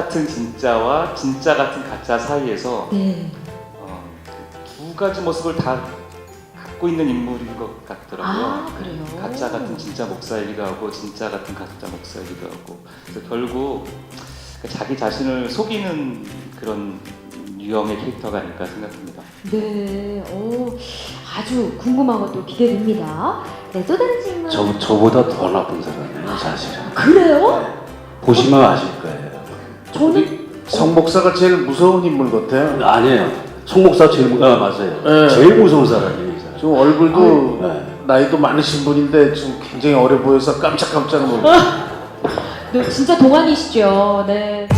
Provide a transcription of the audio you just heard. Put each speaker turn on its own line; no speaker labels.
같은 진짜와 진짜 같은 가짜 사이에서
네.
두 가지 모습을 다 갖고 있는 인물인 것 같더라고요.
아, 그래요?
가짜 같은 진짜 목사이기도 하고 진짜 같은 가짜 목사이기도 하고, 그래서 결국 자기 자신을 속이는 그런 유형의 캐릭터가 아닐까 생각합니다.
네. 아주 궁금하고 또 기대됩니다. 네, 또 다른 질문.
저보다 더 나쁜 사람이에요, 사실은.
그래요?
보시면 아실 거예요.
저는
성 목사가 제일 무서운 인물 같아요.
아니에요. 송 목사 제일 맞아요.
네.
제일 무서운 사람이에요, 이 사람.
좀 얼굴도
네.
나이도 많으신 분인데 좀 굉장히 어려 보여서 깜짝깜짝 놀랐어요.
네, 진짜 동안이시죠. 네.